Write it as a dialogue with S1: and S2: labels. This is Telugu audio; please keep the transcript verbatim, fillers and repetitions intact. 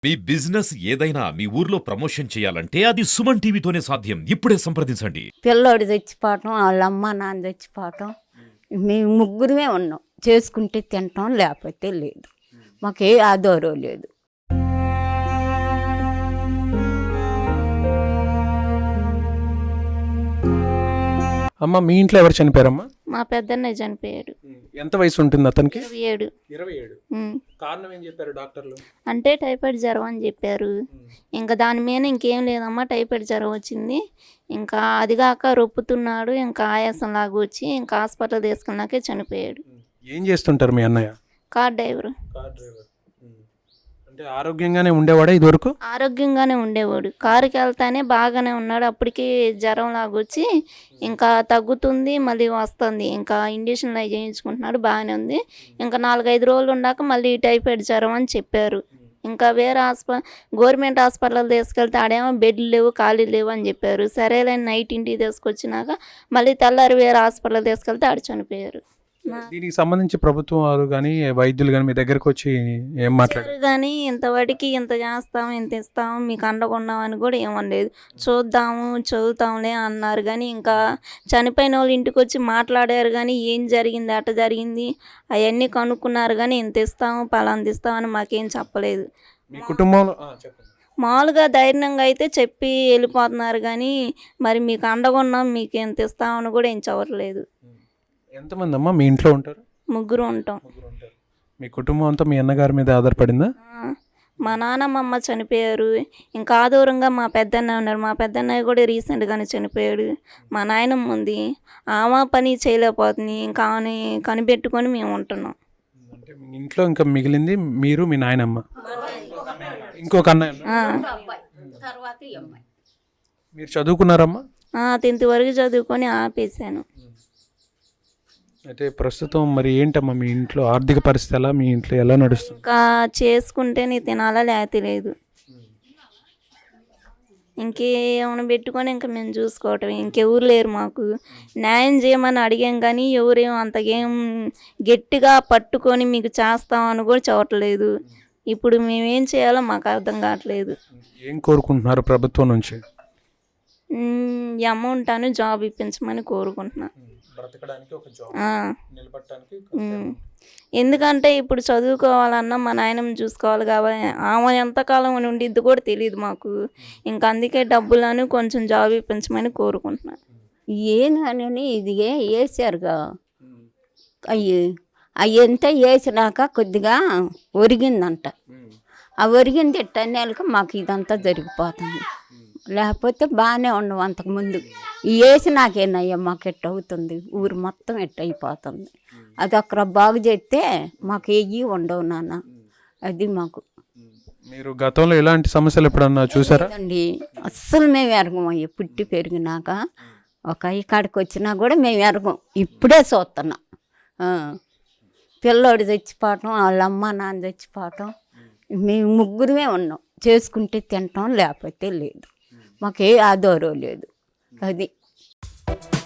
S1: మీ బిజినెస్ ఏదైనా మీ ఊర్లో ప్రమోషన్ చేయాలంటే అది సుమన్ టీవీతోనే సాధ్యం. ఇప్పుడే సంప్రదించండి.
S2: పిల్లోడు చచ్చిపోవటం, వాళ్ళ అమ్మ నాన్న చచ్చిపోవటం, మేము ముగ్గురమే ఉన్నాం. చేసుకుంటే తింటాం, లేకపోతే లేదు. మాకే ఆధారం లేదు.
S3: అమ్మ, మీ ఇంట్లో ఎవరు చనిపోయారమ్మా?
S4: మా పెద్దన్నయ్య చనిపోయాడు.
S3: ఎంత వయసు ఉంటుంది అతనికి?
S4: ఇరవై ఏడు.
S3: ఇరవై ఏడు. కారణం ఏం చెప్పారు డాక్టర్లు?
S4: అంటే టైఫాయిడ్ జ్వరం అని చెప్పారు. ఇంకా దాని మీద ఇంకేం లేదమ్మా, టైఫాయిడ్ జ్వరం వచ్చింది. ఇంకా అదిగాక రొప్పుతున్నాడు, ఇంకా ఆయాసం లాగా వచ్చి ఇంకా హాస్పిటల్ తీసుకున్నాకే చనిపోయాడు.
S3: ఏం చేస్తుంటారు మీ అన్నయ్య?
S4: Car driver.
S3: Car driver. అంటే ఆరోగ్యంగానే ఉండేవాడా ఇదివరకు?
S4: ఆరోగ్యంగానే ఉండేవాడు. కారుకి వెళ్తానే బాగానే ఉన్నాడు. అప్పటికి జ్వరం లాగా వచ్చి ఇంకా తగ్గుతుంది, మళ్ళీ వస్తుంది. ఇంకా ఇంజక్షన్లు అవి చేయించుకుంటున్నాడు, బాగానే ఉంది. ఇంకా నాలుగైదు రోజులు ఉన్నాక మళ్ళీ టైఫాయిడ్ జ్వరం అని చెప్పారు. ఇంకా వేరే హాస్ప గవర్నమెంట్ హాస్పిటల్ తీసుకెళ్తే ఆడేమో బెడ్లు లేవు, ఖాళీలు లేవు అని చెప్పారు. సరేలేని నైట్ ఇంటికి తీసుకొచ్చినాక మళ్ళీ తెల్లారి వేరే హాస్పిటల్ తీసుకెళ్తే ఆడ చనిపోయారు.
S3: దీనికి సంబంధించి ప్రభుత్వం వారు కానీ వైద్యులు కానీ మీ దగ్గరకు వచ్చి ఏం మాట్లాడారు?
S4: కానీ ఇంతవాటికి ఇంత చేస్తాం, ఇంత ఇస్తాం, మీకు అండగా అని కూడా ఏమనలేదు. చూద్దాము, చదువుతాంలే అన్నారు. కానీ ఇంకా చనిపోయిన వాళ్ళు ఇంటికి వచ్చి మాట్లాడారు. కానీ ఏం జరిగింది, అట జరిగింది అవన్నీ కనుక్కున్నారు. కానీ ఇంత ఇస్తాము, పలాంత ఇస్తామని మాకేం చెప్పలేదు.
S3: మీ కుటుంబంలో
S4: మామూలుగా ధైర్యంగా అయితే చెప్పి వెళ్ళిపోతున్నారు. కానీ మరి మీకు అండగా ఉన్నాం, మీకు ఎంత ఇస్తామని కూడా ఏం చెప్పలేదు.
S3: ఎంతమంది అమ్మా మీ ఇంట్లో ఉంటారు?
S4: ముగ్గురు ఉంటాం.
S3: మీ కుటుంబం అంతా మీ అన్నగారి మీద ఆధారపడిందా?
S4: మా నాన్నమ్మ అమ్మ చనిపోయారు. ఇంకా ఆదూరంగా మా పెద్దన్న ఉన్నారు. మా పెద్దన్నయ్య కూడా రీసెంట్గానే చనిపోయాడు. మా నాయనమ్మ ఉంది, ఆమె పని చేయలేకపోతుంది. ఇంకా ఆమెని కనిపెట్టుకొని మేము ఉంటున్నాం.
S3: అంటే మీ ఇంట్లో ఇంకా మిగిలింది మీరు, మీ నాయనమ్మ, ఇంకొక అన్నయ్య. మీరు చదువుకున్నారమ్మా?
S4: టెన్త్ వరకు చదువుకొని ఆపేసాను.
S3: అయితే ప్రస్తుతం మరి ఏంటమ్మా మీ ఇంట్లో ఆర్థిక పరిస్థితి ఎలా, మీ ఇంట్లో ఎలా నడుస్తుంది?
S4: ఇంకా చేసుకుంటే నీ తినాలా లేకపోతే లేదు. ఇంకేమైనా పెట్టుకొని ఇంకా మేము చూసుకోవటం. ఇంకెవరు లేరు మాకు. న్యాయం చేయమని అడిగాం కానీ ఎవరేమో అంతకేం గట్టిగా పట్టుకొని మీకు చేస్తామని కూడా చూడట్లేదు. ఇప్పుడు మేమేం చేయాలో మాకు అర్థం కావట్లేదు.
S3: ఏం కోరుకుంటున్నారు ప్రభుత్వం నుంచి?
S4: ఈ అమౌంట్ అని జాబ్ ఇప్పించమని కోరుకుంటున్నాను. ఎందుకంటే ఇప్పుడు చదువుకోవాలన్నా మా నాయనమ్మ చూసుకోవాలి కాబట్టి ఆమె ఎంతకాలం ఉండిద్ది కూడా తెలియదు మాకు. ఇంకా అందుకే డబ్బులను కొంచెం జాబ్ ఇప్పించమని కోరుకుంటున్నాను.
S2: ఏందని ఇది వేసారుగా, అయ్యి అవి ఎంత వేసినాక కొద్దిగా ఒరిగిందంట. ఆ ఒరిగింది ఎట్టనేళ్ళకి మాకు ఇదంతా జరిగిపోతుంది. లేకపోతే బాగానే ఉండవు అంతకుముందు. ఈ వేసి నాకేనయ్యా మాకు ఎట్ట అవుతుంది, ఊరు మొత్తం ఎట్ట అయిపోతుంది. అది అక్కడ బాగు చేస్తే మాకు ఏవి ఉండవు నాన్న. అది మాకు.
S3: మీరు గతంలో ఎలాంటి సమస్యలు ఎప్పుడన్నా చూసారా?
S2: అండి అస్సలు మేము ఎరగమయ్యా. పుట్టి పెరిగినాక ఒక ఇక్కడికి వచ్చినా కూడా మేము ఎరగం. ఇప్పుడే చూస్తున్నాం. పిల్లోడు చచ్చిపోవటం, వాళ్ళ అమ్మ నాన్న చచ్చిపోవటం, మేము ముగ్గురమే ఉన్నాం. చేసుకుంటే తింటాం, లేకపోతే లేదు. మాకే ఆధారం లేదు. అది